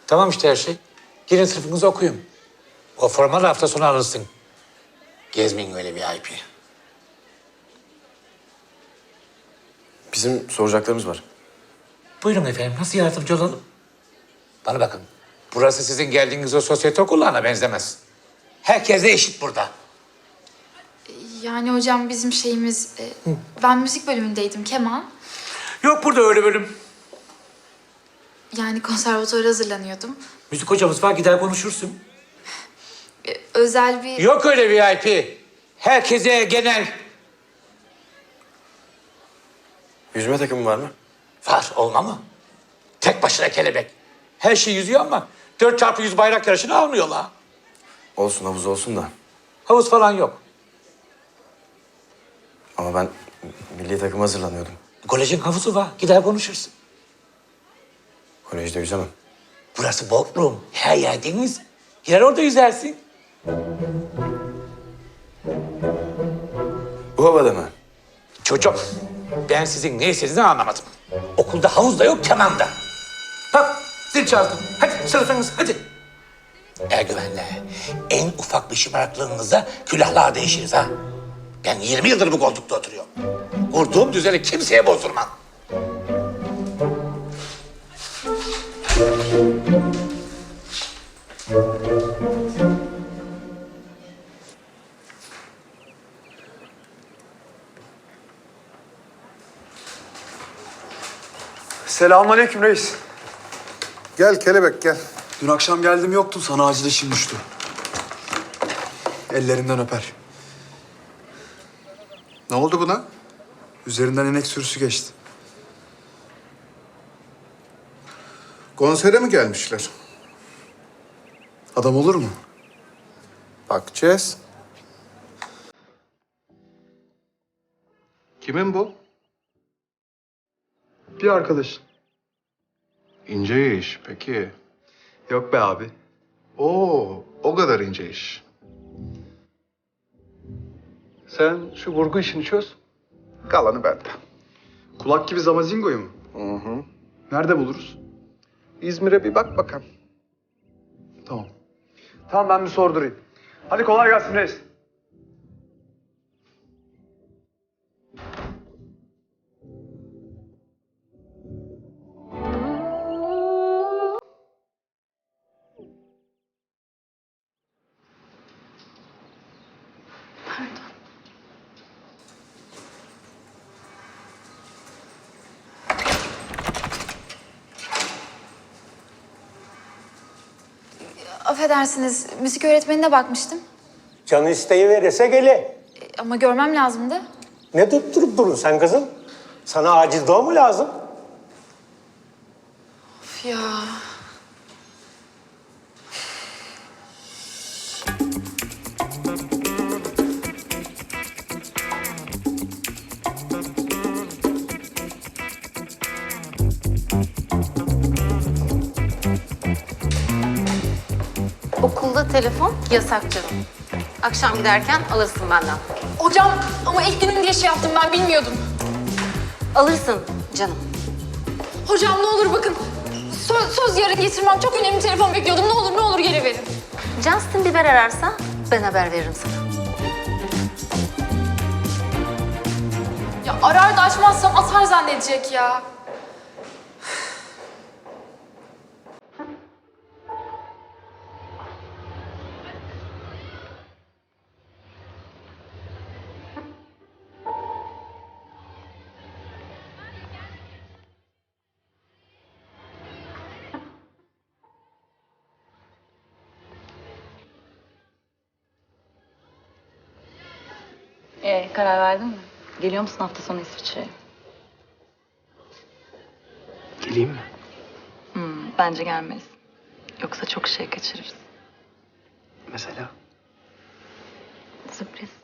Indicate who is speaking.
Speaker 1: Tamam işte her şey. Girin sınıfınızı okuyun. O formalı hafta sonu alırsın. Gezmeyin öyle VIP.
Speaker 2: Bizim soracaklarımız var.
Speaker 1: Buyurun efendim, nasıl yardımcı olalım? Bana bakın, burası sizin geldiğiniz o sosyete okullarına benzemez. Herkes de eşit burada.
Speaker 3: Yani hocam bizim şeyimiz... ben müzik bölümündeydim, keman.
Speaker 1: Yok burada öyle bölüm.
Speaker 3: Yani konservatuvara hazırlanıyordum.
Speaker 1: Müzik hocamız var, gider konuşursun.
Speaker 3: Özel bir...
Speaker 1: Yok öyle VIP. Herkese genel.
Speaker 2: Yüzme takımı var mı?
Speaker 1: Var, olma mı? Tek başına kelebek. Her şey yüzüyor ama 4x100 bayrak yarışını almıyorlar.
Speaker 2: Olsun, havuz olsun da.
Speaker 1: Havuz falan yok.
Speaker 2: Ama ben milli takıma hazırlanıyordum.
Speaker 1: Kolejin havuzu var, gider konuşursun.
Speaker 2: Kolejde yüzemem.
Speaker 1: Burası Bodrum, her yer deniz. Gider orada yüzersin.
Speaker 2: Bu havada mı?
Speaker 1: Çocuğum, ben sizin ne istediğinizi anlamadım. Okulda havuz da yok, keman da. Bak, zil çaldım. Hadi sınıfınız, hadi. Ergüvenle, en ufak bir şımarıklığınıza külahlar değişiriz ha. Ben 20 yıldır bu koltukta oturuyorum. Kurduğum düzeni kimseye bozdurmam.
Speaker 4: Selamünaleyküm reis.
Speaker 5: Gel kelebek gel.
Speaker 4: Dün akşam geldim yoktun, sana acil işim düştü. Ellerinden öper.
Speaker 5: Ne oldu buna?
Speaker 4: Üzerinden inek sürüsü geçti.
Speaker 5: Konsere mi gelmişler?
Speaker 4: Adam olur mu?
Speaker 5: Bakacağız. Kimin bu?
Speaker 4: Bir arkadaş.
Speaker 5: İnce iş peki.
Speaker 4: Yok be abi.
Speaker 5: Oo, o kadar ince iş. Sen şu vurgu işini çöz. Kalanı bende.
Speaker 4: Kulak gibi Zamazingo'yu mu?
Speaker 5: Hı hı.
Speaker 4: Nerede buluruz?
Speaker 5: İzmir'e bir bak bakalım.
Speaker 4: Tamam. Tamam, ben bir sordurayım. Hadi kolay gelsin reis.
Speaker 3: Affedersiniz, müzik öğretmenine bakmıştım.
Speaker 6: Canı isteği verirse gele.
Speaker 3: Ama görmem lazımdı.
Speaker 6: Ne tutturup durun sen kızım? Sana acil doğum mu lazım?
Speaker 3: Of ya.
Speaker 7: Okulda telefon yasak canım. Akşam giderken alırsın benden.
Speaker 3: Hocam ama ilk günüm diye şey yaptım, ben bilmiyordum.
Speaker 7: Alırsın canım.
Speaker 3: Hocam ne olur bakın. Söz yarın getirmem. Çok önemli telefon bekliyordum. Ne olur geri verin.
Speaker 7: Justin Bieber ararsa ben haber veririm sana.
Speaker 3: Ya arar da açmazsam atar zannedecek ya.
Speaker 8: Karar verdin mi? Geliyor musun hafta sonu İsviçre'ye?
Speaker 2: Geleyim mi?
Speaker 8: Bence gelmez. Yoksa çok şey kaçırırız.
Speaker 2: Mesela?
Speaker 8: Sürpriz.